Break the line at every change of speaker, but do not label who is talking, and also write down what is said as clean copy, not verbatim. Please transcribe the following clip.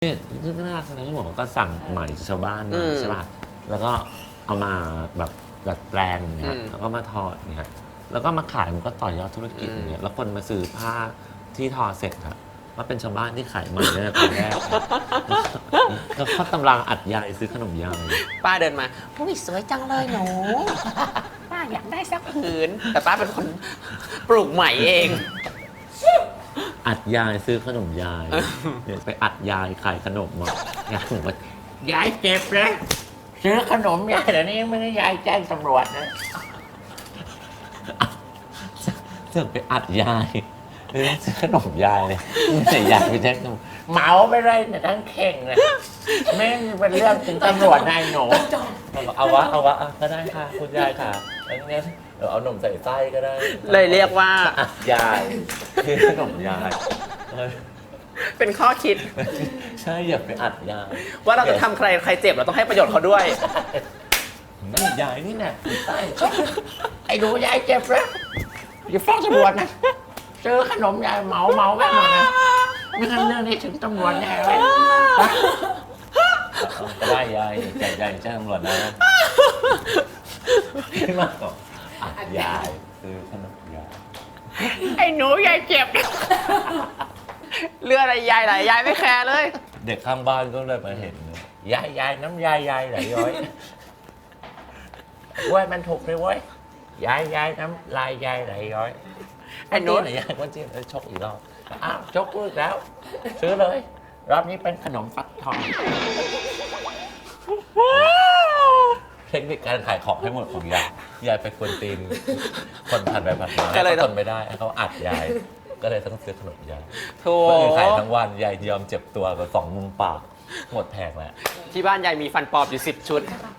เนี่ยซึ่งน่ารักนะที่บอกว่าก็สั่งใหม่ชาวบ้านมาใช่ป่ะแล้วก็เอามาแบบดัดแปลงอย่างเงี้ยแล้วก็มาทอดอย่างเงี้ยแล้วก็มาขายมันก็ต่อยอดธุรกิจอย่างเงี้ยแล้วคนมาซื้อผ้าที่ทอเสร็จอะว่าเป็นชาวบ้านที่ขายใหม่ตั้งแต่ตอนแรกก็เขากำลังอัดยายซื้อขนมยาย
ป้าเดินมาอุ้ยสวยจังเลยหนู ป้าอยากได้สักผืน แต่ป้าเป็นคนปลูกใหม่เอง
อัดยายซื้อขนมยายเดี๋ยวไปอัดยายขายขนมมายายบอกว่ายายเจ็บเลยซื้อขนมยายเดี๋ยวนี้ไม่ได้ยายแจ้งตำรวจนะเสือกไปอัดยายซื้อขนมยายเลยไม่ใช่ยายไปแจ้งตำรวจเหมาไปเลยเนี่ยทั้งเข่งเลยไม่เป็นเรื่องถึงตำรวจนายหนูเอาวะก็ได้ค่ะคุณยายค่ะงั้นเดี๋ยวเอานมใส่ไส้ก็ได้
เลยเรียกว่า
อัดยายคือขนมยาย
เป็นข้อคิด
ใช่อย่าไปอัดยาย
ว่าเราจะทำใครเจ็บเราต้องให้ประโยชน์เขาด้วย
นี่ยายนี่แน่ใต้ไอ้ดูยายเจ็บแล้วอย่าฟ้องตำรวจนะเจอขนมยายเหมาแม่หมดนะไม่งั้นเรื่องนี้ถึงตำรวจแน่เลยก็ได้ยายใจใหญ่แจ้งตำรวจนะไม่มากหรอกอัดยายคือขนมยาย
ไอ้หนูยายเจ็บ เลือดอะไรยายไหลยายไม่แคร์เลย
เด็กข้างบ้านก็เลยมาเห็นยายน้ำยายไหลย้อยเว้ยมันถูกเลยเว้ยยายน้ำลายยายไหลย้อย
ไอ้หนู
ไหนยายก็จิ้มชกอีกรอบอ้าวชกกูอีกแล้ว ซื้อเลย รอบนี้เป็นขนมฟักทองเทคนิคการขายของให้หมดของยายไปกวนตีนคนผ่านไปผ่านมา
ก็เลย
ทนไม่ได้ให้เขาอัดยาย ก็เลยต้องซื้อขนมยาย
โถ่
คนอื่นขายทั้งวันยายยอมเจ็บตัวกับ2 มุมปากหมดแผงแล้ว
ที่บ้านยายมีฟันปลอมอยู่10 ชุด